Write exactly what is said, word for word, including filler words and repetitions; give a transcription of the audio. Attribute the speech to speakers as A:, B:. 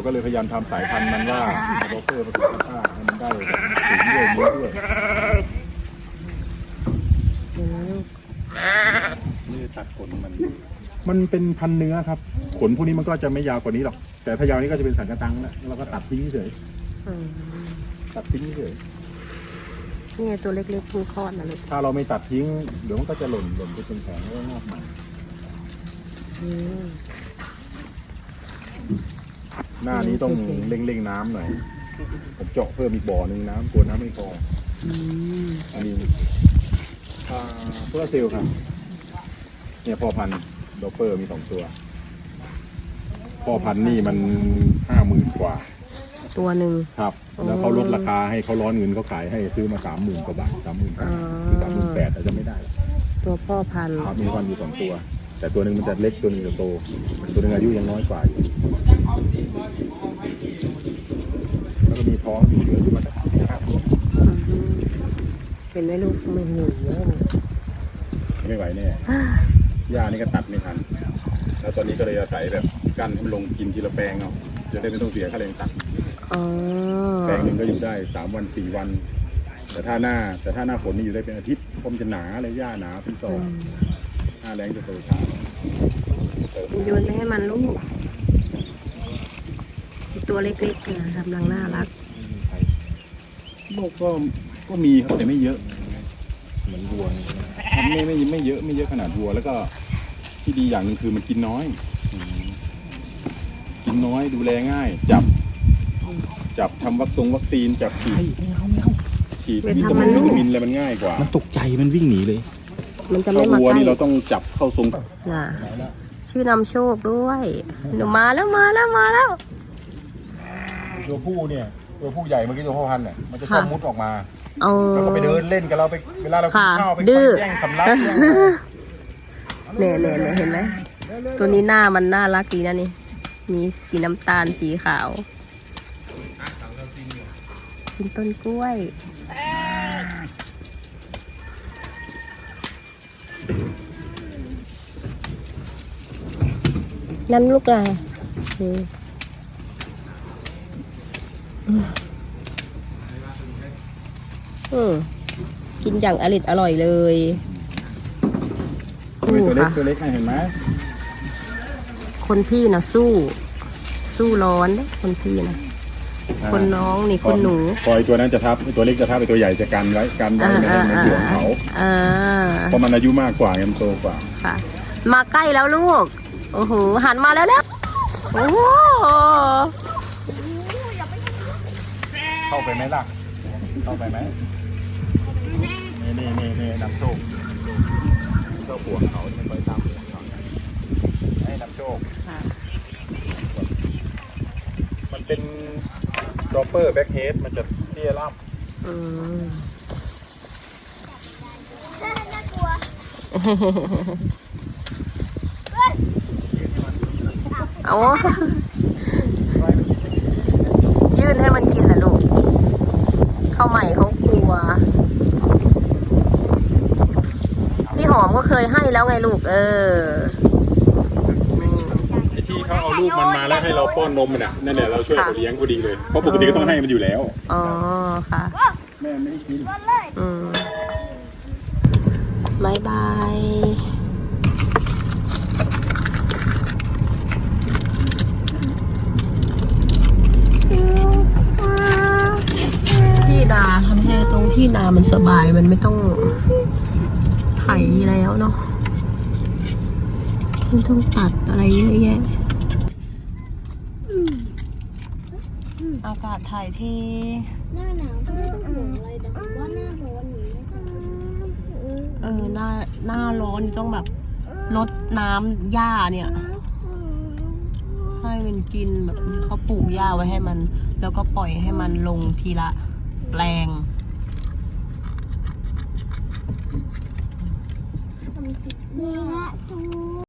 A: ก็เลยพยายามทำสายพันธุ์มันว่าโรเปอร์ผสมกับข้าให้มันได้ถึงด้วยเนื้อด้วยนี่ตัดขนมันมันเป็นพันเนื้อครับขนพวกนี้มันก็จะไม่ยาวกว่านี้หรอกแต่ถ้ายาวนี้ก็จะเป็นสังกะตังแล้วเราก็ตัดทิ้งเฉยตัดทิ้งเฉย
B: นี่ไงตัวเล็กๆเพิ่งคลอดนะลูก
A: ถ้าเราไม่ตัดทิ้งเดี๋ยวมันก็จะหล่นหล่นไปเป็นแผงแล้วก็งอกใหม่หน้านี้ต้องเร่งๆน้ำหน่อยผมเจาะเพิ่มอีกบ่อหนึ่งน้ำกลัวน้ำไม่พออันนี้เพื่อเซลล์ครับเนี่ยพ่อพันธุ์โดเปอร์มีสองตัวพ่อพันธุ์นี่มันห้าหมื่นกว่า
B: ตัวหนึ่ง
A: ครับแล้วเขาลดราคาให้เขาร้อนเงินเขาขายให้ซื้อมาสามหมื่นกว่าบาทสามหมื่นสามหมื่นแปดแต่จะไม่ได้
B: ตัวพ่อพันธุ์
A: ครับมีพันธุ์อยู่สองตัวแต่ตัวหนึ่งมันจะเล็กตัวหนึ่งจะโตตัวหนึ่งอายุยังน้อยกว่าอยู่แล้วก็มีท้องอยู่เหลืออยู่มาสี่ห้าตัว
B: เห็นไหมลูกไม่หิว
A: ไม่ไหวแน่หญ้านี่ก็ตัดไม่ทันแล้วตอนนี้ก็เลยอาศัยแบบกั้นให้มันลงกินทีละแปลงเนาะจะได้ไม่ต้องเสียค่าแรงตัดแปลงหนึ่งก็อยู่ได้สามวันสี่วันแต่ถ้าหน้าแต่ถ้าหน้าฝนนี่อยู่ได้เป็นอาทิตย์เพราะมันจะหนาเลยหญ้าหนาเป็นซองหน้าแรงจะโตช้า
B: โยนไปให้มันลูกตัวเล็กๆนะกำลังน่ารัก
A: โลกก็ก็มีครับแต่ไม่เยอะเหมือนวัวไม่ไม่ไม่เยอะไม่เยอะขนาดวัวแล้วก็ที่ดีอย่างหนึ่งคือมันกินน้อยกินน้อยดูแลง่ายจับจับทำวัคซงวัคซีนจับฉีดฉีดวิตามินวิตามินอะไรมันง่ายกว่า
C: มันตกใจมันวิ่งหนีเลย
B: มันจะไม่มาใกล้
A: วัวนี่เราต้องจับเข้าทรง
B: น่ะชื่อนำโชคด้วยหนูมาแล้วมาแล้วมาแล้ว
A: ตัวผู้เนี่ยตัวผู้ใหญ่เมื่อกี้ตัวพ่อพันธุ์เนี่ยมันจะชอบมุดออกมา
B: แล้ว
A: ก็ไปเดินเล่นกับเราไปเวลาเรากินข้าวไปแย่งสำลัก
B: เนี่ยเนี่ยเนี่ยเห็นไหมตัวนี้หน้ามันน่ารักดีนะนี่มีสีน้ำตาลสีขาวกินต้นกล้วยนั่นลูกอะไรอืมกินอย่างอร่อยอร่อยเลย
A: ตัวเล็กตัวเล็กเห็นไหม
B: คนพี่นะสู้สู้ร้อนเลยคนพี่นะคนน้องนี่คนหนู
A: ปล่อยตัวนั้นจะทับตัวเล็กจะทับไปตัวใหญ่จะกันไว้กันไว้ในในห่วงเขาเพราะมันอายุมากกว่ามันโตกว่า
B: ค่ะมาใกล้แล้วลูกโอ้โหหันมาแล้วแล้วโอ้โห
A: เข้าไปไหมล่ะเข้าไปไหมนี่นี่นี่นี่น้ำโชคเจ้าห่วงเขาจะไปตามห่วงเขาให้น้ำโชคมันเป็นดรอปเปอร์แบ็คเฮดมันจะเตี้ยล่ำ
B: อืม
D: น่ากลัว
B: เอายื่นให้มันกินแหละลูกเข้าใหม่เขากลัวพี่หอมก็เคยให้แล้วไงลูกเออ
A: ไอ้ที่เขาเอาลูกมันมาแล้วให้เราป้อนนมมันอ่ะนั่นแหละเราช่วยเขาเลี้ยงพอดีเลยเพราะปกติก็ต้องให้มันอยู่แล้ว
B: อ๋อค่ะ
A: แม่ไม่ได้กิน
B: อืมบายบายที่นาทำให้ตรงที่นามันสบายมันไม่ต้องไถแล้วเนาะไม่ต้องตัดอะไรเยอะแยะอากาศถ่ายเท
D: หน้าหนาวไม่ต้องห่วงอะไรแต่ว่าหน้าร้อนนี้
B: เออหน้าหน้าร้อนต้องแบบลดน้ำหญ้าเนี่ยให้มันกินแบบเขาปลูกหญ้าไว้ให้มันแล้วก็ปล่อยให้มันลงทีละแปลง
D: นี่ไง